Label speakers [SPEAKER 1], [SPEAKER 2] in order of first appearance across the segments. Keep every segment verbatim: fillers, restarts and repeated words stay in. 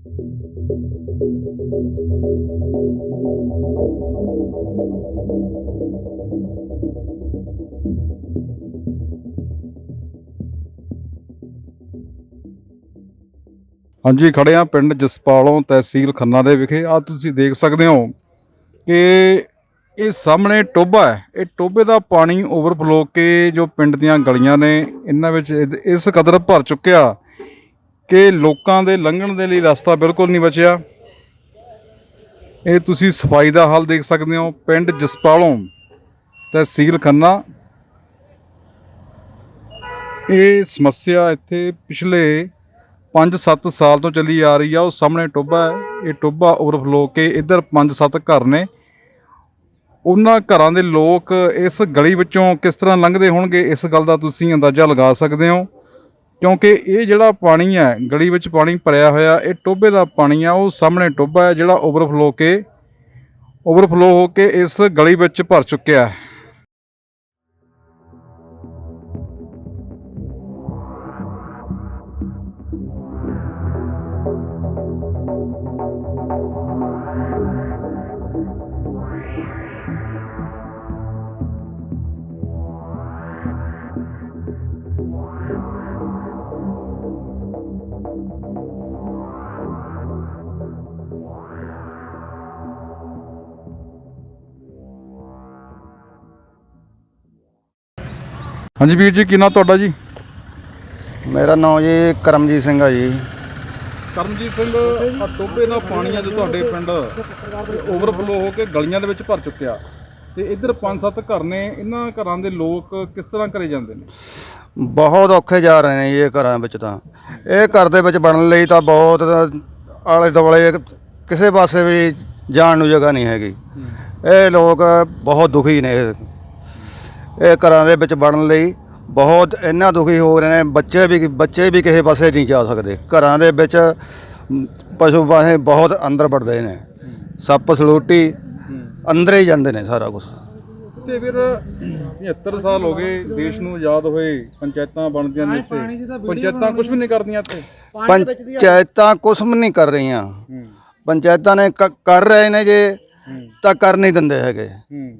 [SPEAKER 1] हाँ जी, खड़े हाँ पिंड जसपालों तहसील खन्ना दे विखे। आ तुसीं देख सकते हो कि ये सामने टोबा है। ये टोबे का पानी ओवरफ्लो के जो पिंड दीयां गलियां ने इन्हां विच इस कदर भर चुक्या कि लोकां दे लंघण दे लई रस्ता बिल्कुल नहीं बचिया। ये तुसीं सफाई का हाल देख सकते हो। पिंड जसपालों तहसील खन्ना, ये समस्या इत्थे पिछले पाँच सत्त साल तो चली आ रही है। उस सामने टोबा है, ये टोबा ओवरफ्लो के इधर पाँच सत्त घर ने। उन्हां घरां दे लोक इस गली विचों किस तरह लंघदे होणगे इस गल दा तुसीं अंदाज़ा लगा सकते हो, क्योंकि ये जिहड़ा पानी है गली विच पानी भरिया होया, ये टोबे का पानी है। वो सामने टोबा है जिहड़ा ओवरफ्लो के ओवरफ्लो हो के इस गली विच भर चुक्या है। हाँ जी वीर जी, की नाम तुहाडा जी?
[SPEAKER 2] मेरा नाम जी करमजीत सिंह है जी।
[SPEAKER 1] ਕਰਮਜੀਤ ਸਿੰਘ, ਆ ਟੋਬੇ ਦਾ ਪਾਣੀ ਆ ਜੋ ਤੁਹਾਡੇ ਪਿੰਡ ਓਵਰਫਲੋ ਹੋ ਕੇ ਗਲੀਆਂ ਦੇ ਵਿੱਚ ਭਰ ਚੁੱਕਿਆ ਤੇ ਇੱਧਰ ਪੰਜ ਸੱਤ ਘਰ ਨੇ। ਇਹਨਾਂ ਘਰਾਂ ਦੇ ਲੋਕ ਕਿਸ ਤਰ੍ਹਾਂ ਘਰੇ ਜਾਂਦੇ ਨੇ?
[SPEAKER 2] ਬਹੁਤ ਔਖੇ ਜਾ ਰਹੇ ਨੇ ਜੀ ਇਹ ਘਰਾਂ ਵਿੱਚ। ਤਾਂ ਇਹ ਘਰ ਦੇ ਵਿੱਚ ਬਣਨ ਲਈ ਤਾਂ ਬਹੁਤ ਆਲੇ ਦੁਆਲੇ ਕਿਸੇ ਪਾਸੇ ਵੀ ਜਾਣ ਨੂੰ ਜਗ੍ਹਾ ਨਹੀਂ ਹੈਗੀ। ਇਹ ਲੋਕ ਬਹੁਤ ਦੁਖੀ ਨੇ। ਇਹ ਘਰਾਂ ਦੇ ਵਿੱਚ ਬਣਨ ਲਈ ਬਹੁਤ ਇੰਨਾ ਦੁਖੀ ਹੋ ਰਹੇ ਨੇ। ਬੱਚੇ ਵੀ ਬੱਚੇ ਵੀ ਕਿਸੇ ਪਾਸੇ ਨਹੀਂ ਜਾ ਸਕਦੇ। ਘਰਾਂ ਦੇ ਵਿੱਚ ਪਸ਼ੂ ਪਾਸੇ ਬਹੁਤ ਅੰਦਰ ਵੜਦੇ ਨੇ। ਸੱਪ ਸਲੂਟੀ ਅੰਦਰ ਹੀ ਜਾਂਦੇ ਨੇ ਸਾਰਾ ਕੁਛ।
[SPEAKER 1] ਤੇ ਫਿਰ ਪਝੱਤਰ ਸਾਲ ਹੋ ਗਏ ਦੇਸ਼ ਨੂੰ ਆਜ਼ਾਦ ਹੋਏ, ਪੰਚਾਇਤਾਂ ਬਣਦੀਆਂ ਨੇ ਇੱਥੇ, ਪੰਚਾਇਤਾਂ ਕੁਝ ਵੀ ਨਹੀਂ ਕਰਦੀਆਂ ਇੱਥੇ।
[SPEAKER 2] ਪੰਚਾਇਤਾਂ ਕੁਛ ਵੀ ਨਹੀਂ ਕਰ ਰਹੀਆਂ। ਪੰਚਾਇਤਾਂ ਨੇ ਕਰ ਰਹੇ ਨੇ ਜੇ ਤਾਂ ਕਰ ਨਹੀਂ ਦਿੰਦੇ ਹੈਗੇ।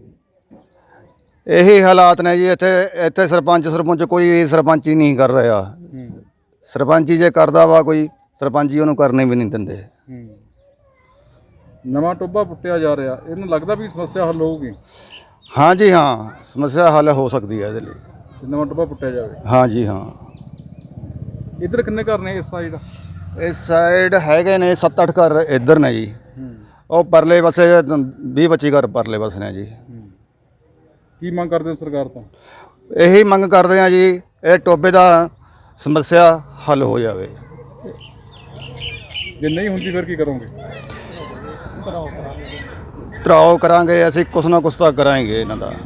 [SPEAKER 2] ਇਹੀ ਹਾਲਾਤ ਨੇ ਜੀ ਇੱਥੇ। ਇੱਥੇ ਸਰਪੰਚ ਸਰਪੰਚ ਕੋਈ ਸਰਪੰਚੀ ਨਹੀਂ ਕਰ ਰਿਹਾ। ਸਰਪੰਚੀ ਜੇ ਕਰਦਾ ਵਾ ਕੋਈ, ਸਰਪੰਚੀ ਉਹਨੂੰ ਕਰਨੇ ਵੀ ਨਹੀਂ ਦਿੰਦੇ।
[SPEAKER 1] ਨਵਾਂ ਟੋਬਾ ਪੁੱਟਿਆ ਜਾ ਰਿਹਾ, ਇਹਨੂੰ ਲੱਗਦਾ ਵੀ ਸਮੱਸਿਆ ਹੱਲ ਹੋਊਗੀ?
[SPEAKER 2] ਹਾਂ ਜੀ ਹਾਂ, ਸਮੱਸਿਆ ਹੱਲ ਹੋ ਸਕਦੀ ਹੈ ਇਹਦੇ ਲਈ।
[SPEAKER 1] ਨਵਾਂ ਟੋਬਾ ਪੁੱਟਿਆ ਜਾਵੇ?
[SPEAKER 2] ਹਾਂ ਜੀ ਹਾਂ।
[SPEAKER 1] ਇੱਧਰ ਕਿੰਨੇ ਘਰ ਨੇ ਇਸ ਸਾਈਡ?
[SPEAKER 2] ਇਸ ਸਾਈਡ ਹੈਗੇ ਨੇ ਸੱਤ ਅੱਠ ਘਰ ਇੱਧਰ ਨੇ ਜੀ। ਉਹ ਪਰਲੇ ਪਾਸੇ ਵੀਹ ਪੱਚੀ ਘਰ ਪਰਲੇ ਪਾਸੇ ਨੇ ਜੀ।
[SPEAKER 1] ਕੀ ਮੰਗ ਕਰਦੇ ਹੋ ਸਰਕਾਰ ਤੋਂ?
[SPEAKER 2] ਇਹੀ ਮੰਗ ਕਰਦੇ ਆ ਜੀ, ਇਹ ਟੋਬੇ ਦਾ ਸਮੱਸਿਆ ਹੱਲ ਹੋ ਜਾਵੇ।
[SPEAKER 1] ਜੇ ਨਹੀਂ ਹੁੰਦੀ ਫਿਰ ਕੀ ਕਰੋਗੇ?
[SPEAKER 2] ਧਰਾਓ ਕਰਾਂਗੇ ਅਸੀਂ, ਕੁਛ ਨਾ ਕੁਛ ਤਾਂ ਕਰਾਂਗੇ ਇਹਨਾਂ ਦਾ।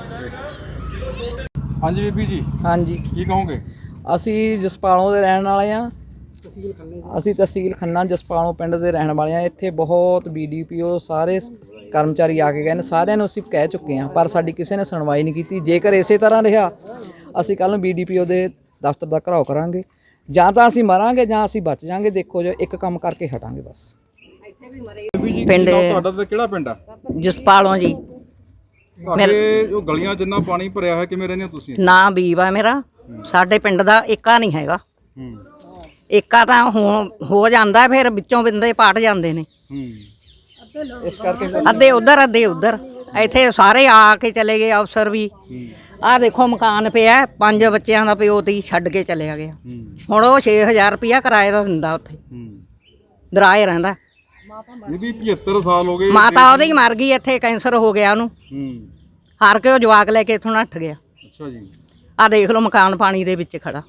[SPEAKER 1] ਹਾਂਜੀ ਬੀਬੀ ਜੀ।
[SPEAKER 3] ਹਾਂਜੀ,
[SPEAKER 1] ਕੀ ਕਹੋਗੇ?
[SPEAKER 3] ਅਸੀਂ ਜਸਪਾਲੋਂ ਦੇ ਰਹਿਣ ਵਾਲੇ ਹਾਂ। ਅਸੀਂ ਤਹਿਸੀਲ ਖੰਨਾ ਜਸਪਾਲੋਂ ਪਿੰਡ ਦੇ ਰਹਿਣ ਵਾਲੇ ਹਾਂ। ਇੱਥੇ ਬਹੁਤ ਬੀ ਡੀ ਪੀ ਓ ਸਾਰੇ ਕਰਮਚਾਰੀ ਆ ਕੇ ਗਏ ਨੇ। ਸਾਰਿਆਂ ਨੂੰ ਅਸੀਂ ਕਹਿ ਚੁੱਕੇ ਹਾਂ, ਪਰ ਸਾਡੀ ਕਿਸੇ ਨੇ ਸੁਣਵਾਈ ਨਹੀਂ ਕੀਤੀ। ਜੇਕਰ ਇਸੇ ਤਰ੍ਹਾਂ ਰਿਹਾ, ਅਸੀਂ ਕੱਲ੍ਹ ਨੂੰ ਬੀ ਡੀ ਪੀ ਓ ਦੇ ਦਫ਼ਤਰ ਦਾ ਘਿਰਾਓ ਕਰਾਂਗੇ। ਜਾਂ ਤਾਂ ਅਸੀਂ ਮਰਾਂਗੇ ਜਾਂ ਅਸੀਂ ਬਚ ਜਾਾਂਗੇ। ਦੇਖੋ ਜੋ ਇੱਕ ਕੰਮ ਕਰਕੇ ਹਟਾਂਗੇ ਬਸ।
[SPEAKER 4] ਪਿੰਡ
[SPEAKER 1] ਤੁਹਾਡਾ ਤੇ ਕਿਹੜਾ ਪਿੰਡ ਆ?
[SPEAKER 4] ਜਸਪਾਲੋਂ ਜੀ।
[SPEAKER 1] ਤੁਹਾਡੇ ਜੋ ਗਲੀਆਂ ਜਿੰਨਾ ਪਾਣੀ ਭਰਿਆ ਹੈ, ਕਿਵੇਂ ਰਹਿੰਦੇ ਹੋ ਤੁਸੀਂ?
[SPEAKER 4] ਨਾਂ ਬੀਬ ਆ ਮੇਰਾ। ਸਾਡੇ ਪਿੰਡ ਦਾ ਏਕਾ ਨਹੀਂ ਹੈਗਾ। ਏਕਾ ਤਾਂ ਹੋ ਹੋ ਜਾਂਦਾ, ਫਿਰ ਵਿੱਚੋਂ ਬਿੰਦੇ ਪਾਟ ਜਾਂਦੇ ਨੇ।
[SPEAKER 3] ਇਸ ਕਰਕੇ
[SPEAKER 4] ਅੱਧੇ ਉਧਰ ਅੱਧੇ ਉਧਰ। ਇੱਥੇ ਸਾਰੇ ਆ ਕੇ ਚਲੇ ਗਏ ਅਫਸਰ ਵੀ। ਆਹ ਦੇਖੋ ਮਕਾਨ ਪਿਆ, ਪੰਜ ਬੱਚਿਆਂ ਦਾ ਪਿਓ ਤੀ ਛੱਡ ਕੇ ਚਲਿਆ ਗਿਆ। ਹੁਣ ਉਹ ਛੇ ਹਜ਼ਾਰ ਰੁਪਇਆ ਕਿਰਾਏ ਦਾ ਦਿੰਦਾ, ਉੱਥੇ ਦਰਾਏ ਰਹਿੰਦਾ।
[SPEAKER 1] ਬੀਬੀ ਪਝੱਤਰ ਸਾਲ ਹੋ ਗਏ।
[SPEAKER 4] ਮਾਤਾ ਉਹਦੀ ਮਰ ਗਈ, ਇੱਥੇ ਕੈਂਸਰ ਹੋ ਗਿਆ ਉਹਨੂੰ। ਹਾਰ ਕੇ ਉਹ ਜਵਾਕ ਲੈ ਕੇ ਇੱਥੋਂ ਨੱਠ ਗਿਆ।
[SPEAKER 1] ਅੱਛਾ ਜੀ।
[SPEAKER 4] ਆਹ ਦੇਖ ਲਓ ਮਕਾਨ ਪਾਣੀ ਦੇ ਵਿੱਚ ਖੜਾ।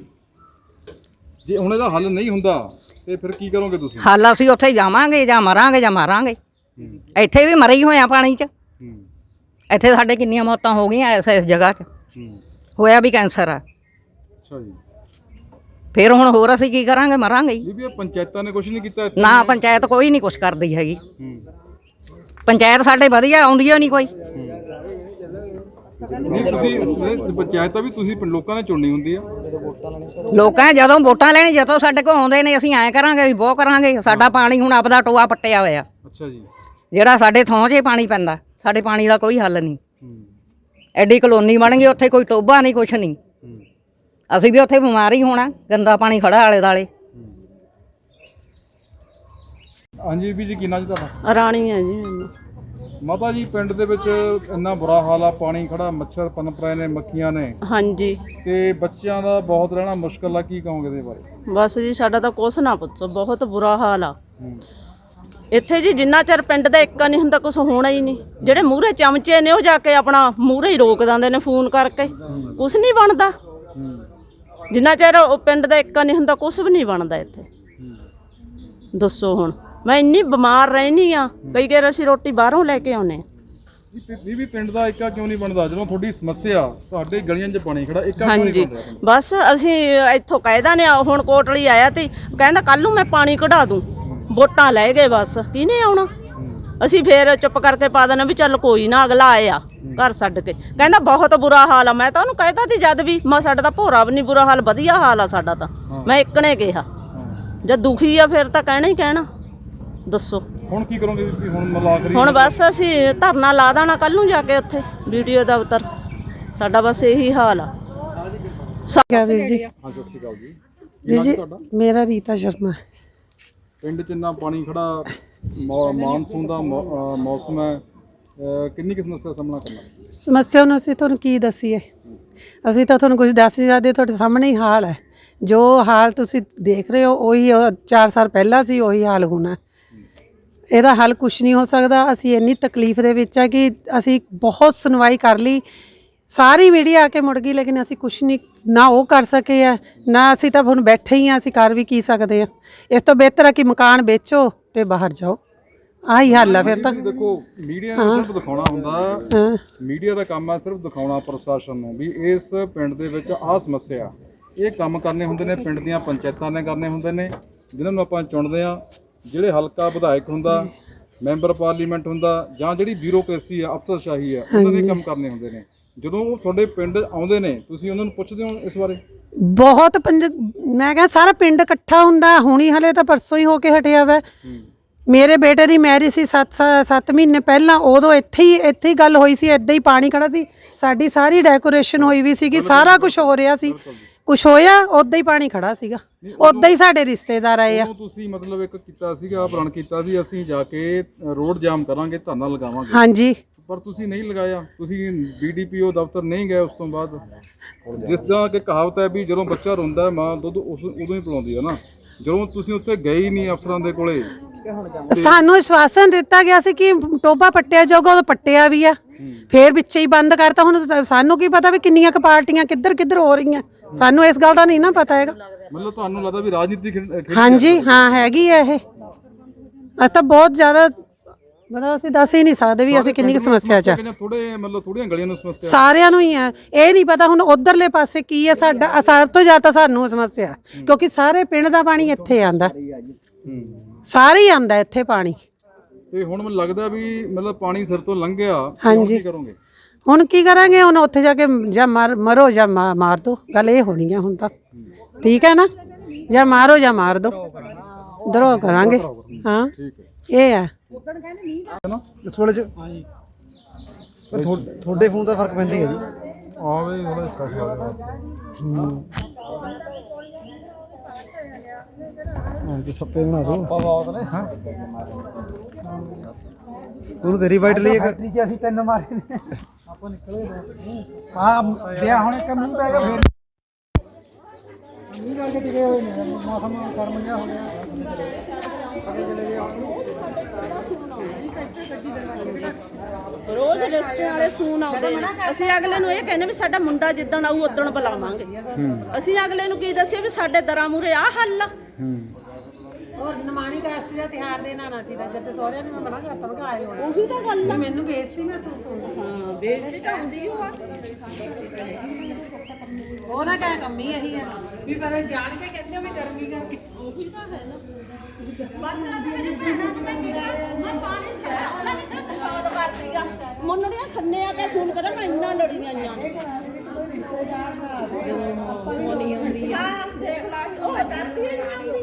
[SPEAKER 1] ਜੇ ਹੁਣ ਇਹਦਾ ਹੱਲ ਨਹੀਂ ਹੁੰਦਾ ਤੇ ਫਿਰ ਕੀ ਕਰੋਗੇ ਤੁਸੀਂ?
[SPEAKER 4] ਹੱਲ ਅਸੀਂ ਉੱਥੇ ਜਾਵਾਂਗੇ, ਜਾਂ ਮਰਾਂਗੇ ਜਾਂ ਮਾਰਾਂਗੇ। ਇੱਥੇ ਵੀ ਮਰੇ ਹੀ ਹੋਇਆ ਪਾਣੀ 'ਚ। ਇੱਥੇ ਸਾਡੇ ਕਿੰਨੀਆਂ ਮੌਤਾਂ ਹੋ ਗਈਆਂ ਇਸ ਇਸ ਜਗ੍ਹਾ 'ਚ। ਹੋਇਆ ਵੀ ਕੈਂਸਰ ਆ।
[SPEAKER 1] ਅੱਛਾ ਜੀ।
[SPEAKER 4] ਫਿਰ ਹੁਣ ਹੋਰ ਅਸੀਂ ਕੀ ਕਰਾਂਗੇ? ਮਰਾਂਗੇ ਹੀ।
[SPEAKER 1] ਬੀਬੀ ਪੰਚਾਇਤਾਂ ਨੇ ਕੁਝ ਨਹੀਂ ਕੀਤਾ?
[SPEAKER 4] ਨਾ ਪੰਚਾਇਤ ਕੋਈ ਨਹੀਂ ਕੁਛ ਕਰਦੀ ਹੈਗੀ। ਪੰਚਾਇਤ ਸਾਡੇ ਵਧੀਆ ਆਉਂਦੀ ਓ ਨਹੀਂ ਕੋਈ।
[SPEAKER 1] ਨਹੀਂ ਤੁਸੀਂ ਇਹ ਪੰਚਾਇਤ ਤਾਂ ਵੀ ਤੁਸੀਂ ਪਿੰਡ ਲੋਕਾਂ ਨੇ ਚੁਣਨੀ ਹੁੰਦੀ ਆ।
[SPEAKER 4] ਲੋਕਾਂ ਜਦੋਂ ਵੋਟਾਂ ਲੈਣੀ ਜਦੋਂ ਸਾਡੇ ਕੋਲ ਆਉਂਦੇ ਨੇ ਅਸੀਂ ਐਂ ਕਰਾਂਗੇ ਅਸੀਂ ਬਹੁਤ ਕਰਾਂਗੇ। ਸਾਡਾ ਪਾਣੀ ਹੁਣ ਆਪਦਾ ਟੋਆ ਪੱਟਿਆ ਹੋਇਆ,
[SPEAKER 1] ਅੱਛਾ ਜੀ,
[SPEAKER 4] ਜਿਹੜਾ ਸਾਡੇ ਥਾਂ 'ਚ ਪਾਣੀ ਪੈਂਦਾ, ਸਾਡੇ ਪਾਣੀ ਦਾ ਕੋਈ ਹੱਲ ਨਹੀਂ। ਐਡੀ ਕਲੋਨੀ ਬਣ ਗਈ, ਉੱਥੇ ਕੋਈ ਟੋਬਾ ਨਹੀਂ, ਕੁਛ ਨਹੀਂ। ਅਸੀਂ ਵੀ ਉੱਥੇ ਬਿਮਾਰ ਹੀ ਹੋਣਾ, ਗੰਦਾ ਪਾਣੀ ਖੜਾ ਆਲੇ ਦਾਲੇ।
[SPEAKER 1] ਹਾਂਜੀ ਵੀ ਜੀ, ਕੀ ਨਾਂ ਜੀ ਤੁਹਾਡਾ?
[SPEAKER 5] ਰਾਣੀ ਹੈ ਜੀ ਮੈਨੂੰ।
[SPEAKER 1] ਮਾਤਾ ਜੀ, ਪਿੰਡ ਦੇ ਵਿੱਚ ਇੰਨਾ ਬੁਰਾ ਹਾਲ ਆ, ਪਾਣੀ ਖੜਾ, ਮੱਛਰ ਪਨਪ ਰਹੇ ਨੇ, ਮੱਖੀਆਂ ਨੇ,
[SPEAKER 5] ਹਾਂਜੀ
[SPEAKER 1] ਤੇ ਬੱਚਿਆਂ ਦਾ ਬਹੁਤ ਰਹਿਣਾ ਮੁਸ਼ਕਲ ਆ, ਕੀ ਕਹੋਗੇ ਇਹਦੇ ਬਾਰੇ?
[SPEAKER 5] ਬਸ ਜੀ ਸਾਡਾ ਤਾਂ ਕੁਛ ਨਾ ਪੁੱਛੋ, ਬਹੁਤ ਬੁਰਾ ਹਾਲ ਆ ਇੱਥੇ ਜੀ। ਜਿੰਨਾ ਚਿਰ ਪਿੰਡ ਦਾ ਇੱਕ ਨਹੀਂ ਹੁੰਦਾ ਕੁਝ ਹੋਣਾ ਹੀ ਨਹੀਂ। ਜਿਹੜੇ ਮੂਹਰੇ ਚਮਚੇ ਨੇ ਉਹ ਜਾ ਕੇ ਆਪਣਾ ਮੂਹਰੇ ਹੀ ਰੋਕ ਦਿੰਦੇ ਨੇ ਫੋਨ ਕਰਕੇ, ਕੁਛ ਨਹੀਂ ਬਣਦਾ। ਜਿੰਨਾ ਚਿਰ ਉਹ ਪਿੰਡ ਦਾ ਇੱਕ ਨਹੀਂ ਹੁੰਦਾ ਕੁਛ ਵੀ ਨਹੀਂ ਬਣਦਾ ਇੱਥੇ। ਦੱਸੋ ਹੁਣ, ਮੈਂ ਇੰਨੀ ਬਿਮਾਰ ਰਹਿਨੀ ਆ, ਕਈ ਵਾਰ ਅਸੀਂ ਰੋਟੀ ਬਾਹਰੋਂ ਲੈ ਕੇ ਆਉਨੇ।
[SPEAKER 1] ਵੀ ਵੀ ਪਿੰਡ ਦਾ ਏਕਾ ਕਿਉਂ ਨਹੀਂ ਬਣਦਾ ਜਦੋਂ ਤੁਹਾਡੀ ਸਮੱਸਿਆ ਤੁਹਾਡੇ ਗਲੀਆਂ 'ਚ ਪਾਣੀ ਖੜਾ, ਏਕਾ ਕਿਉਂ ਨਹੀਂ
[SPEAKER 5] ਹਾਂਜੀ
[SPEAKER 1] ਬਣਦਾ?
[SPEAKER 5] ਬਸ ਅਸੀਂ ਇੱਥੋਂ ਕਹਿਦਾ ਨੇ, ਹੁਣ ਕੋਟਲੀ ਆਇਆ ਤੇ ਕਹਿੰਦਾ ਕੱਲ ਨੂੰ ਮੈਂ ਪਾਣੀ ਕਢਾ ਦੂੰ। ਵੋਟਾਂ ਲੈ ਗਏ, ਬਸ ਕਿਹਨੇ ਆਉਣਾ? ਅਸੀਂ ਫੇਰ ਚੁੱਪ ਕਰਕੇ ਪਾ ਦੇਣਾ ਵੀ ਚੱਲ ਕੋਈ ਨਾ, ਅਗਲਾ ਆਇਆ ਘਰ ਛੱਡ ਕੇ। ਕਹਿੰਦਾ ਬਹੁਤ ਬੁਰਾ ਹਾਲ ਆ। ਮੈਂ ਤਾਂ ਉਹਨੂੰ ਕਹਿਤਾ ਸੀ ਜਦ ਵੀ, ਮੈਂ ਸਾਡਾ ਤਾਂ ਭੋਰਾ ਵੀ ਨਹੀਂ ਬੁਰਾ ਹਾਲ, ਵਧੀਆ ਹਾਲ ਆ ਸਾਡਾ ਤਾਂ। ਮੈਂ ਇੱਕ ਨੇ ਕਿਹਾ ਜਦ ਦੁਖੀ ਆ ਫਿਰ ਤਾਂ ਕਹਿਣਾ ਹੀ ਕਹਿਣਾ। ਦੱਸੋ
[SPEAKER 1] ਹੁਣ ਕੀ ਕਰੋਗੇ ਵੀ? ਹੁਣ ਮਤਲਬ ਆਖਰੀ
[SPEAKER 5] ਹੁਣ ਬਸ ਅਸੀਂ ਧਰਨਾ ਲਾ ਦੇਣਾ ਕੱਲ ਨੂੰ ਜਾ ਕੇ ਉੱਥੇ ਵੀਡੀਓ ਦਫ਼ਤਰ। ਸਾਡਾ ਬਸ ਇਹੀ ਹਾਲ ਆ।
[SPEAKER 6] ਕਿਆ ਵੀਰ ਜੀ?
[SPEAKER 1] ਹਾਂ, ਸਤਿ ਸ਼੍ਰੀ ਅਕਾਲ ਜੀ।
[SPEAKER 6] ਵੀਰ ਜੀ ਮੇਰਾ ਰੀਤਾ ਸ਼ਰਮਾ।
[SPEAKER 1] ਪਿੰਡ 'ਚ ਇੰਨਾ ਪਾਣੀ ਖੜਾ, ਮੌ- ਮਾਨਸੂਨ ਦਾ ਮੌ- ਅਹ ਮੌਸਮ ਹੈ, ਅਹ ਕਿੰਨੀ ਕੁ ਸਮੱਸਿਆ ਦਾ ਸਾਹਮਣਾ ਕਰਨਾ?
[SPEAKER 6] ਸਮੱਸਿਆ ਨੂੰ ਅਸੀਂ ਤੁਹਾਨੂੰ ਕੀ ਦੱਸੀਏ? ਅਸੀਂ ਤਾਂ ਤੁਹਾਨੂੰ ਕੁਝ ਦੱਸ ਨਹੀਂ ਸਕਦੇ, ਤੁਹਾਡੇ ਸਾਹਮਣੇ ਹੀ ਹਾਲ ਹੈ। ਜੋ ਹਾਲ ਤੁਸੀਂ ਦੇਖ ਰਹੇ ਹੋ ਉਹੀ ਉਹ ਚਾਰ ਸਾਲ ਪਹਿਲਾਂ ਸੀ, ਉਹੀ ਹਾਲ ਹੋਣਾ। ਇਹਦਾ ਹੱਲ ਕੁਝ ਨਹੀਂ ਹੋ ਸਕਦਾ। ਅਸੀਂ ਇੰਨੀ ਤਕਲੀਫ ਦੇ ਵਿੱਚ ਆ ਕਿ ਅਸੀਂ ਬਹੁਤ ਸੁਣਵਾਈ ਕਰ ਲਈ, ਸਾਰੀ ਮੀਡੀਆ ਆ ਕੇ ਮੁੜ ਗਈ, ਲੇਕਿਨ ਅਸੀਂ ਕੁਝ ਨਹੀਂ, ਨਾ ਉਹ ਕਰ ਸਕੇ ਆ ਨਾ ਅਸੀਂ ਤਾਂ ਹੁਣ ਬੈਠੇ ਹੀ ਆ। ਅਸੀਂ ਕਰ ਵੀ ਕੀ ਸਕਦੇ ਆ? ਇਸ ਤੋਂ ਬਿਹਤਰ ਆ ਕਿ ਮਕਾਨ ਵੇਚੋ ਤੇ ਬਾਹਰ ਜਾਓ, ਆਹੀ ਹੱਲ ਆ ਫਿਰ ਤਾਂ।
[SPEAKER 1] ਦੇਖੋ, ਮੀਡੀਆ ਨੇ ਸਿਰਫ ਦਿਖਾਉਣਾ ਹੁੰਦਾ,
[SPEAKER 6] ਹਾਂ
[SPEAKER 1] ਮੀਡੀਆ ਦਾ ਕੰਮ ਹੈ ਸਿਰਫ ਦਿਖਾਉਣਾ ਪ੍ਰਸ਼ਾਸਨ ਨੂੰ ਵੀ ਇਸ ਪਿੰਡ ਦੇ ਵਿੱਚ ਆਹ ਸਮੱਸਿਆ। ਇਹ ਕੰਮ ਕਰਨੇ ਹੁੰਦੇ ਨੇ ਪਿੰਡ ਦੀਆਂ ਪੰਚਾਇਤਾਂ ਨੇ ਕਰਨੇ ਹੁੰਦੇ ਨੇ, ਜਿਨ੍ਹਾਂ ਨੂੰ ਆਪਾਂ ਚੁਣਦੇ ਆ। ਜਿਹੜੇ ਹਲਕਾ ਵਿਧਾਇਕ ਹੁੰਦਾ, ਮੈਂਬਰ ਪਾਰਲੀਮੈਂਟ ਹੁੰਦਾ, ਜਾਂ ਜਿਹੜੀ ਬਿਊਰੋਕ੍ਰੇਸੀ ਆ, ਅਫਸਰਸ਼ਾਹੀ ਆ, ਉਹਨਾਂ ਨੇ ਕੰਮ ਕਰਨੇ ਹੁੰਦੇ ਨੇ। ਜਦੋਂ ਉਹ ਤੁਹਾਡੇ ਪਿੰਡ ਆਉਂਦੇ ਨੇ, ਤੁਸੀਂ ਉਹਨਾਂ ਨੂੰ ਪੁੱਛਦੇ ਹੋ ਇਸ ਬਾਰੇ?
[SPEAKER 6] ਬਹੁਤ ਪੰਜ ਮੈਂ ਕਿਹਾ ਸਾਰਾ ਪਿੰਡ ਇਕੱਠਾ ਹੁੰਦਾ। ਹੁਣੀ ਹਲੇ ਤਾਂ ਪਰਸੋਂ ਹੀ ਹੋ ਕੇ ਹਟਿਆ ਵਾ। ਮੇਰੇ ਬੇਟੇ ਦੀ ਮੈਰਿਜ ਸੀ ਸੱਤ ਸੱਤ ਮਹੀਨੇ ਪਹਿਲਾਂ, ਉਦੋਂ ਇੱਥੇ ਹੀ ਇੱਥੇ ਹੀ ਗੱਲ ਹੋਈ ਸੀ, ਇੱਦਾਂ ਹੀ ਪਾਣੀ ਖੜਾ ਸੀ। ਸਾਡੀ ਸਾਰੀ ਡੈਕੋਰੇਸ਼ਨ ਹੋਈ ਵੀ ਸੀਗੀ, ਸਾਰਾ ਕੁਝ ਹੋ ਰਿਹਾ ਸੀ, ਕੁਝ ਹੋਇਆ ਉੱਦਾਂ ਹੀ ਪਾਣੀ ਖੜਾ ਸੀਗਾ। ਉੱਦਾਂ ਹੀ ਸਾਡੇ ਰਿਸ਼ਤੇਦਾਰ ਆਏ ਆ।
[SPEAKER 1] ਤੁਸੀਂ ਮਤਲਬ ਇੱਕ ਕੀਤਾ ਸੀਗਾ, ਪ੍ਰਣ ਕੀਤਾ ਵੀ ਅਸੀਂ ਜਾ ਕੇ ਰੋਡ ਜਾਮ ਕਰਾਂਗੇ, ਧਰਨਾ ਲਗਾਵਾਂਗੇ,
[SPEAKER 6] ਹਾਂਜੀ,
[SPEAKER 1] ਪਰ ਤੁਸੀਂ ਨਹੀਂ ਲਗਾਇਆ। ਤੁਸੀਂ ਬੀ ਡੀ ਪੀ ਓ ਦਫ਼ਤਰ ਨਹੀਂ ਗਏ ਉਸ ਤੋਂ ਬਾਅਦ। ਜਿਸ ਤਰ੍ਹਾਂ ਕਿ ਕਹਾਵਤ ਹੈ ਵੀ ਜਦੋਂ ਬੱਚਾ ਰੋਂਦਾ ਮਾਂ ਦੁੱਧ ਉਸ ਉਦੋਂ ਹੀ ਪਿਲਾਉਂਦੀ ਹੈ ਨਾ, ਜਦੋਂ ਤੁਸੀਂ ਉੱਥੇ ਗਏ ਹੀ ਨਹੀਂ ਅਫਸਰਾਂ ਦੇ ਕੋਲੇ।
[SPEAKER 6] ਸਾਨੂੰ ਆਸ਼ਵਾਸਨ ਦਿੱਤਾ ਗਿਆ ਸੀ ਕਿ ਟੋਬਾ ਪੱਟਿਆ ਜਾਊਗਾ, ਉਹ ਪੱਟਿਆ ਵੀ ਆ, ਫੇਰ ਵਿੱਚੇ ਹੀ ਬੰਦ ਕਰਤਾ। ਹੁਣ ਸਾਨੂੰ ਕੀ ਪਤਾ ਵੀ ਕਿੰਨੀਆਂ ਕੁ ਪਾਰਟੀਆਂ ਕਿੱਧਰ ਕਿੱਧਰ ਹੋ ਰਹੀਆਂ, ਸਾਨੂੰ ਇਸ ਗੱਲ ਦਾ ਨਹੀਂ ਨਾ ਪਤਾ ਹੈਗਾ।
[SPEAKER 1] ਮਤਲਬ ਤੁਹਾਨੂੰ ਲੱਗਦਾ ਵੀ ਰਾਜਨੀਤੀ ਖੇਡ- ਖੇਡੀ
[SPEAKER 6] ਹਾਂਜੀ ਹਾਂ ਹੈਗੀ ਹੈ ਇਹ। ਅਸੀਂ ਤਾਂ ਬਹੁਤ ਜ਼ਿਆਦਾ, ਮਤਲਬ ਅਸੀਂ ਦੱਸ ਹੀ ਨਹੀਂ ਸਕਦੇ ਵੀ ਅਸੀਂ ਕਿੰਨੀ ਕੁ ਸਮੱਸਿਆ 'ਚ ਆ।
[SPEAKER 1] ਥੋੜੇ ਮਤਲਬ ਥੋੜੀਆਂ ਗਲੀਆਂ ਨੂੰ ਸਮੱਸਿਆ
[SPEAKER 6] ਸਾਰਿਆਂ ਨੂੰ ਹੀ ਆ, ਇਹ ਨਹੀਂ ਪਤਾ ਹੁਣ ਉਧਰਲੇ ਪਾਸੇ ਕੀ ਹੈ। ਸਾਡਾ ਸਭ ਤੋਂ ਜ਼ਿਆਦਾ ਸਾਨੂੰ ਸਮੱਸਿਆ, ਕਿਉਂਕਿ ਸਾਰੇ ਪਿੰਡ ਦਾ ਪਾਣੀ ਇੱਥੇ ਆਂਦਾ, ਸਾਰੇ ਹੀ ਆਂਦਾ ਇੱਥੇ ਪਾਣੀ।
[SPEAKER 1] ਤੇ ਹੁਣ ਮੈਨੂੰ ਲੱਗਦਾ ਵੀ ਮਤਲਬ ਪਾਣੀ ਸਿਰ ਤੋਂ ਲੰਘ ਗਿਆ,
[SPEAKER 6] ਹਾਂਜੀ।
[SPEAKER 1] ਕੀ ਕਰੋਗੇ?
[SPEAKER 6] ਹੁਣ ਕੀ ਕਰਾਂਗੇ? ਹੁਣ ਉੱਥੇ ਜਾ ਕੇ ਜਾਂ ਮਰ ਮਰੋ ਜਾਂ ਮਾ- ਮਾਰ ਦੋ, ਗੱਲ ਇਹ ਹੋਣੀ ਆ ਹੁਣ ਤਾਂ। ਠੀਕ ਹੈ ਨਾ, ਜਾਂ ਮਾਰੋ ਜਾਂ ਮਾਰ ਦੋ, ਦਰੋ ਕਰਾਂਗੇ। ਹਾਂ ਇਹ ਆ
[SPEAKER 2] ਇਸ ਵੇਲੇ ਚ ਪਰ ਤੁਹਾਡੇ ਫੋਨ ਦਾ ਫਰਕ ਪੈਂਦਾ ਹੀ ਹੈ ਜੀ।
[SPEAKER 1] ਆਵੇ ਉਹਦਾ ਸਪੈਸ਼ਲ
[SPEAKER 2] ਹਾਂ ਕਿ ਸੱਪੇ ਬਣਾ ਦੋ ਆਪਾਂ ਬਹੁਤ ਨੇ। ਹਾਂ ਤੂੰ ਤੇਰੀ ਵਾਈਟ ਲਈ ਇੱਕ ਕਿ ਅਸੀਂ ਤਿੰਨ ਮਾਰੇ ਨੇ ਆਪਾਂ ਨਿਕਲੇ ਆ ਵਿਆਹ ਹੁਣ ਇੱਕ ਮੀਂਹ ਪੈ ਗਿਆ ਫੇਰ ਮੀਂਹ ਕਰਕੇ ਟਿਕੇ ਹੋਏ ਨੇ, ਮੌਸਮ ਗਰਮ ਜਿਹਾ ਹੋ ਗਿਆ, ਅੱਗੇ ਚਲੇ ਗਏ।
[SPEAKER 5] ਰੋਜ਼ ਰਿਸ਼ਤੇ ਵਾਲੇ ਫੋਨ ਆਉਂਦੇ ਨੇ, ਅਸੀਂ ਅਗਲੇ ਨੂੰ ਇਹ ਕਹਿੰਦੇ ਵੀ ਸਾਡਾ ਮੁੰਡਾ ਜਿੱਦਣ ਆਊ ਉਦਣ ਬੁਲਾਵਾਂਗੇ। ਅਸੀਂ ਅਗਲੇ ਨੂੰ ਕੀ ਦੱਸਿਆ ਵੀ ਸਾਡੇ ਦਰਾਂ ਮੂਰੇ ਆਹ ਹੱਲ ਆ।
[SPEAKER 6] ਔਰ ਨਮਾਨੀ ਕਾਸ਼ਤੀ ਦਾ ਤਿਹਾਰ ਦੇ ਨਾਨਾ ਸੀ ਦਾ, ਜਦ ਸਹੁਰਿਆਂ ਨੇ ਮੈਂ ਮਨਾ ਕਰਤਾ, ਮੈਂ ਆਏ ਹੋਏ
[SPEAKER 5] ਉਹੀ ਤਾਂ ਗੱਲ ਆ।
[SPEAKER 6] ਮੈਨੂੰ ਬੇਇੱਜ਼ਤੀ ਮਹਿਸੂਸ ਹੁੰਦੀ।
[SPEAKER 5] ਹਾਂ ਬੇਇੱਜ਼ਤੀ ਤਾਂ ਹੁੰਦੀ ਓ ਆ।
[SPEAKER 6] ਉਹ ਨਾ ਕਹਿ ਕੰਮੀ ਇਹੀ ਹੈ ਵੀ ਪਤਾ ਜਾਣ ਕੇ ਕਹਿੰਦੇ ਹੋ ਵੀ ਗਰਮੀ ਕਰਕੇ।
[SPEAKER 5] ਉਹੀ ਤਾਂ ਹੈ ਨਾ। ਬਸ ਆ ਮੇਰੇ ਭੈਣਾਂ ਨੂੰ ਮੈਂ ਪਾਣੀ ਪਿਆ, ਉਹਨਾਂ ਨੇ ਤਾਂ ਫੋਨ ਕਰਤੀ ਜਾ ਮੁੰਨੜੀਆਂ ਖੰਨੇ ਆ ਕੇ ਫੋਨ ਕਰੇ ਮੈਂ ਇੰਨਾ ਲੜੀਆਂ ਆਈਆਂ ਹਾਂ ਦੇਖ ਲਾ ਉਹ ਡਰਦੀ ਨਹੀਂ ਆਉਂਦੀ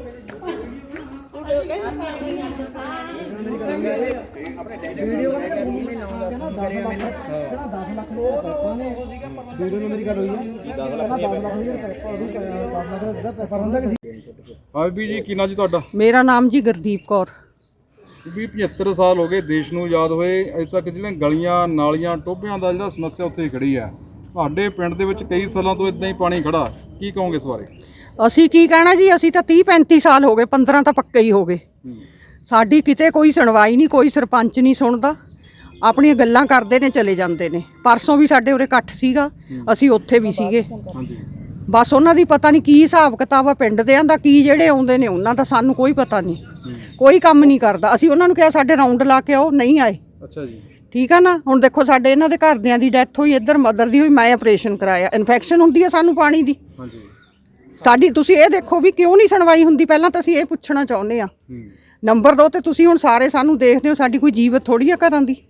[SPEAKER 1] ਹਾਂ ਬੀਬੀ ਜੀ, ਕੀ ਨਾਂ ਜੀ ਤੁਹਾਡਾ?
[SPEAKER 7] ਮੇਰਾ ਨਾਮ ਜੀ ਗੁਰਦੀਪ ਕੌਰ।
[SPEAKER 1] ਬੀਬੀ ਪਝੱਤਰ ਸਾਲ ਹੋ ਗਏ ਦੇਸ਼ ਨੂੰ ਆਜ਼ਾਦ ਹੋਏ, ਅਜੇ ਤੱਕ ਜਿਹੜੀਆਂ ਗਲੀਆਂ ਨਾਲੀਆਂ ਟੋਭਿਆਂ ਦਾ ਜਿਹੜਾ ਸਮੱਸਿਆ ਉੱਥੇ ਹੀ ਖੜੀ ਹੈ। ਤੁਹਾਡੇ ਪਿੰਡ ਦੇ ਵਿੱਚ ਕਈ ਸਾਲਾਂ ਤੋਂ ਇਦਾਂ ਹੀ ਪਾਣੀ ਖੜਾ, ਕੀ ਕਹੋਗੇ ਇਸ ਬਾਰੇ?
[SPEAKER 7] ਅਸੀਂ ਕੀ ਕਹਿਣਾ ਜੀ, ਅਸੀਂ ਤਾਂ ਤੀਹ ਪੈਂਤੀ ਸਾਲ ਹੋ ਗਏ, ਪੰਦਰਾਂ ਤਾਂ ਪੱਕੇ ਹੀ ਹੋ ਗਏ। ਸਾਡੀ ਕਿਤੇ ਕੋਈ ਸੁਣਵਾਈ ਨਹੀਂ, ਕੋਈ ਸਰਪੰਚ ਨਹੀਂ ਸੁਣਦਾ, ਆਪਣੀਆਂ ਗੱਲਾਂ ਕਰਦੇ ਨੇ ਚਲੇ ਜਾਂਦੇ ਨੇ। ਪਰਸੋਂ ਵੀ ਸਾਡੇ ਉਰੇ ਇਕੱਠ ਸੀਗਾ, ਅਸੀਂ ਉੱਥੇ ਵੀ ਸੀਗੇ।
[SPEAKER 1] ਹਾਂਜੀ,
[SPEAKER 7] ਬਸ ਉਹਨਾਂ ਦੀ ਪਤਾ ਨਹੀਂ ਕੀ ਹਿਸਾਬ ਕਿਤਾਬ ਆ ਪਿੰਡ ਦਿਆਂ ਦਾ, ਕੀ ਜਿਹੜੇ ਆਉਂਦੇ ਨੇ ਉਹਨਾਂ ਦਾ ਸਾਨੂੰ ਕੋਈ ਪਤਾ ਨਹੀਂ, ਕੋਈ ਕੰਮ ਨਹੀਂ ਕਰਦਾ। ਅਸੀਂ ਉਹਨਾਂ ਨੂੰ ਕਿਹਾ ਸਾਡੇ ਰਾਉਂਡ ਲਾ ਕੇ ਆਓ, ਨਹੀਂ ਆਏ।
[SPEAKER 1] ਅੱਛਾ ਜੀ,
[SPEAKER 7] ਠੀਕ ਆ ਨਾ। ਹੁਣ ਦੇਖੋ ਸਾਡੇ ਇਹਨਾਂ ਦੇ ਘਰਦਿਆਂ ਦੀ ਡੈਥ ਹੋਈ, ਇੱਧਰ ਮਦਰ ਦੀ ਹੋਈ, ਮੈਂ ਆਪਰੇਸ਼ਨ ਕਰਾਇਆ। ਇਨਫੈਕਸ਼ਨ ਹੁੰਦੀ ਹੈ ਸਾਨੂੰ ਪਾਣੀ ਦੀ।
[SPEAKER 1] ਹਾਂਜੀ,
[SPEAKER 7] ਸਾਡੀ ਤੁਸੀਂ ਇਹ ਦੇਖੋ ਵੀ ਕਿਉਂ ਨਹੀਂ ਸੁਣਵਾਈ ਹੁੰਦੀ, ਪਹਿਲਾਂ ਤਾਂ ਅਸੀਂ ਇਹ ਪੁੱਛਣਾ ਚਾਹੁੰਦੇ ਆ। ਨੰਬਰ ਦੋ ਤੇ ਤੁਸੀਂ ਹੁਣ ਸਾਰੇ ਸਾਨੂੰ ਦੇਖਦੇ ਹੋ, ਸਾਡੀ ਕੋਈ ਜੀਵਤ ਥੋੜੀ ਆ ਘਰਾਂ ਦੀ।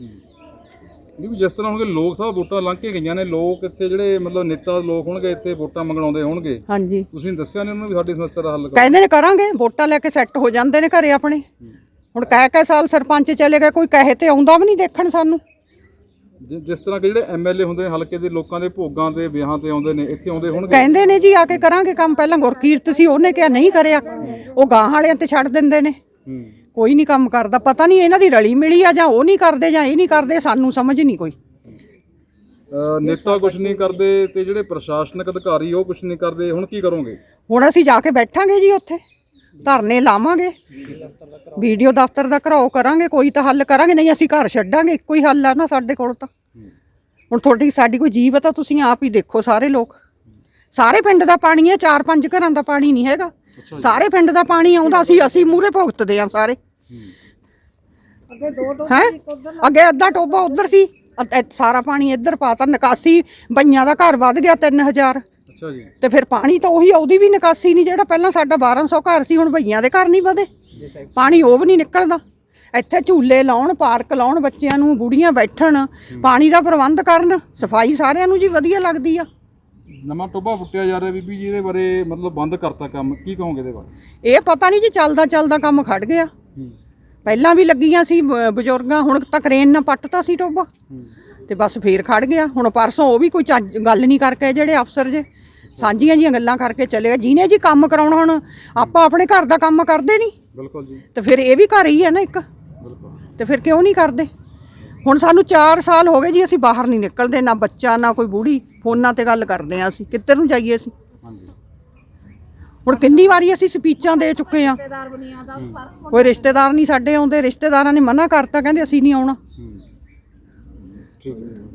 [SPEAKER 1] ਵੀ ਜਿਸ ਤਰ੍ਹਾਂ ਹੁਣ ਲੋਕ ਸਭ ਵੋਟਾਂ ਲੰਘ ਕੇ ਗਈਆਂ ਨੇ, ਲੋਕ ਇੱਥੇ ਜਿਹੜੇ ਮਤਲਬ ਨੇਤਾ ਲੋਕ ਹੋਣਗੇ ਇੱਥੇ ਵੋਟਾਂ ਮੰਗਣ ਆਉਂਦੇ ਹੋਣਗੇ,
[SPEAKER 7] ਹਾਂਜੀ,
[SPEAKER 1] ਤੁਸੀਂ ਦੱਸਿਆ ਨਹੀਂ ਉਹਨਾਂ ਨੂੰ ਵੀ ਸਾਡੀ ਸਮੱਸਿਆ ਦਾ ਹੱਲ ਕਰੋ?
[SPEAKER 7] ਕਹਿੰਦੇ ਨੇ ਕਰਾਂਗੇ, ਵੋਟਾਂ ਲੈ ਕੇ ਸੈੱਟ ਹੋ ਜਾਂਦੇ ਨੇ ਘਰੇ ਆਪਣੇ। ਹੁਣ ਕਹਿ ਕਹਿ ਸਾਲ ਸਰਪੰਚ ਚਲੇ ਗਏ, ਕੋਈ ਕਹੇ ਤੇ ਆਉਂਦਾ ਵੀ ਨਹੀਂ ਦੇਖਣ ਸਾਨੂੰ।
[SPEAKER 1] ਜਿ- ਜਿਸ ਤਰ੍ਹਾਂ ਕਿ ਜਿਹੜੇ ਐਮਐਲਏ ਹੁੰਦੇ ਨੇ ਹਲਕੇ ਦੇ, ਲੋਕਾਂ ਦੇ ਭੋਗਾਂ ਤੇ ਵਿਆਹਾਂ ਤੇ ਆਉਂਦੇ ਨੇ, ਇੱਥੇ ਆਉਂਦੇ ਹੋਣਗੇ?
[SPEAKER 7] ਕਹਿੰਦੇ ਨੇ ਜੀ ਆ ਕੇ ਕਰਾਂਗੇ ਕੰਮ। ਪਹਿਲਾਂ ਗੁਰਕੀਰਤ ਸੀ, ਉਹਨੇ ਕਿਹਾ ਨਹੀਂ ਕਰਿਆ, ਉਹ ਗਾਂ ਵਾਲਿਆਂ ਤੇ ਛੱਡ ਦਿੰਦੇ ਨੇ। ਕੋਈ ਨਹੀਂ ਕੰਮ ਕਰਦਾ, ਪਤਾ ਨਹੀਂ ਇਹਨਾਂ ਦੀ ਰਲੀ ਮਿਲੀ ਆ, ਜਾਂ ਉਹ ਨਹੀਂ ਕਰਦੇ ਜਾਂ ਇਹ ਨਹੀਂ ਕਰਦੇ, ਸਾਨੂੰ ਸਮਝ ਨਹੀਂ ਕੋਈ।
[SPEAKER 1] ਅਹ ਨੇਤਾ ਕੁਝ ਨਹੀਂ ਕਰਦੇ ਤੇ ਜਿਹੜੇ ਪ੍ਰਸ਼ਾਸਨਿਕ ਅਧਿਕਾਰੀ ਉਹ ਕੁਝ ਨਹੀਂ ਕਰਦੇ, ਹੁਣ ਕੀ ਕਰੋਗੇ?
[SPEAKER 7] ਹੁਣ ਅਸੀਂ ਜਾ ਕੇ ਬੈਠਾਂਗੇ ਜੀ ਉੱਥੇ, ਧਰਨੇ ਲਾਵਾਂਗੇ, ਵੀਡੀਓ ਦਫ਼ਤਰ ਦਾ ਘਰਾਓ ਕਰਾਂਗੇ, ਕੋਈ ਤਾਂ ਹੱਲ ਕਰਾਂਗੇ, ਨਹੀਂ ਅਸੀਂ ਘਰ ਛੱਡਾਂਗੇ। ਇੱਕੋ ਹੀ ਹੱਲ ਆ ਨਾ ਸਾਡੇ ਕੋਲ ਤਾਂ। ਹੁਣ ਤੁਹਾਡੀ ਸਾਡੀ ਕੋਈ ਜੀਵਤ ਆ, ਤੁਸੀਂ ਆਪ ਹੀ ਦੇਖੋ। ਸਾਰੇ ਲੋਕ, ਸਾਰੇ ਪਿੰਡ ਦਾ ਪਾਣੀ ਹੈ, ਚਾਰ ਪੰਜ ਘਰਾਂ ਦਾ ਪਾਣੀ ਨਹੀਂ ਹੈਗਾ, ਸਾਰੇ ਪਿੰਡ ਦਾ ਪਾਣੀ ਆਉਂਦਾ। ਅਸੀਂ ਅਸੀਂ ਮੂਹਰੇ ਭੁਗਤਦੇ ਆ ਸਾਰੇ। ਹੈ ਅੱਗੇ ਅੱਧਾ ਟੋਬਾ ਉਧਰ ਸੀ, ਅ- ਅ- ਸਾਰਾ ਪਾਣੀ ਇੱਧਰ ਪਾਤਾ। ਨਿਕਾਸੀ ਬਈਆਂ ਦਾ ਘਰ ਵੱਧ ਗਿਆ ਤਿੰਨ ਹਜ਼ਾਰ।
[SPEAKER 1] ਅੱਛਾ ਜੀ,
[SPEAKER 7] ਤੇ ਫਿਰ ਪਾਣੀ ਤਾਂ ਉਹੀ, ਉਹਦੀ ਵੀ ਨਿਕਾਸੀ ਨਹੀਂ। ਜਿਹੜਾ ਪਹਿਲਾਂ ਸਾਡਾ ਬਾਰਾਂ ਸੌ ਘਰ ਸੀ, ਹੁਣ ਭਈਆਂ ਦੇ ਘਰ ਨਹੀਂ ਵਧੇ, ਪਾਣੀ ਉਹ ਵੀ ਨਹੀਂ ਨਿਕਲਦਾ। ਇੱਥੇ ਝੂਲੇ ਲਾਉਣ, ਪਾਰਕ ਲਾਉਣ, ਬੱਚਿਆਂ ਨੂੰ, ਬੁੜੀਆਂ ਬੈਠਣ, ਪਾਣੀ ਦਾ ਪ੍ਰਬੰਧ ਕਰਨ, ਸਫਾਈ ਸਾਰਿਆਂ ਨੂੰ ਜੀ ਵਧੀਆ ਲੱਗਦੀ ਆ।
[SPEAKER 1] ਨਵਾਂ ਟੋਭਾ ਪੁੱਟਿਆ ਜਾ ਰਿਹਾ ਬੀਬੀ ਜੀ, ਇਹਦੇ ਬਾਰੇ ਮਤਲਬ ਬੰਦ ਕਰਤਾ ਕੰਮ, ਕੀ ਕਹੋਗੇ ਇਹਦੇ ਬਾਰੇ?
[SPEAKER 7] ਇਹ ਪਤਾ ਨਹੀਂ ਜੀ, ਚੱਲਦਾ ਚੱਲਦਾ ਕੰਮ ਖੜ ਗਿਆ। ਪਹਿਲਾਂ ਵੀ ਲੱਗੀਆਂ ਸੀ ਬ- ਬਜ਼ੁਰਗਾਂ, ਹੁਣ ਤਾਂ ਕਰੇਨ ਨਾਲ ਪੱਟਤਾ ਸੀ ਟੋਭਾ, ਤੇ ਬਸ ਫੇਰ ਖੜ ਗਿਆ। ਹੁਣ ਪਰਸੋਂ ਉਹ ਵੀ ਕੋਈ ਚੱਜ ਗੱਲ ਨਹੀਂ ਕਰਕੇ, ਜਿਹੜੇ ਅਫਸਰ ਜੇ ਸਾਂਝੀਆਂ ਜੀਆਂ ਗੱਲਾਂ ਕਰਕੇ ਚਲੇ ਗਏ। ਜਿਹਨੇ ਜੀ ਕੰਮ ਕਰਾਉਣਾ, ਹੁਣ ਆਪਾਂ ਆਪਣੇ ਘਰ ਦਾ ਕੰਮ ਕਰਦੇ ਨਹੀਂ,
[SPEAKER 1] ਬਿਲਕੁਲ ਜੀ,
[SPEAKER 7] ਤੇ ਫਿਰ ਇਹ ਵੀ ਘਰ ਹੀ ਹੈ ਨਾ ਇੱਕ,
[SPEAKER 1] ਬਿਲਕੁਲ।
[SPEAKER 7] ਤੇ ਫਿਰ ਕਿਉਂ ਨਹੀਂ ਕਰਦੇ? ਹੁਣ ਸਾਨੂੰ ਚਾਰ ਸਾਲ ਹੋ ਗਏ ਜੀ, ਅਸੀਂ ਬਾਹਰ ਨਹੀਂ ਨਿਕਲਦੇ, ਨਾ ਬੱਚਾ ਨਾ ਕੋਈ ਬੁੜੀ। ਫੋਨਾਂ ਤੇ ਗੱਲ ਕਰਦੇ ਆ, ਅਸੀਂ ਕਿੱਧਰ ਨੂੰ ਜਾਈਏ ਅਸੀਂ?
[SPEAKER 1] ਹਾਂਜੀ,
[SPEAKER 7] ਹੁਣ ਕਿੰਨੀ ਵਾਰੀ ਅਸੀਂ ਸਪੀਚਾਂ ਦੇ ਚੁੱਕੇ ਆ, ਕੋਈ ਰਿਸ਼ਤੇਦਾਰ ਨਹੀਂ ਸਾਡੇ ਆਉਂਦੇ। ਰਿਸ਼ਤੇਦਾਰਾਂ ਨੇ ਮਨਾ ਕਰਤਾ, ਕਹਿੰਦੇ ਅਸੀਂ ਨਹੀਂ ਆਉਣਾ।
[SPEAKER 1] ਠੀਕ ਹੈ।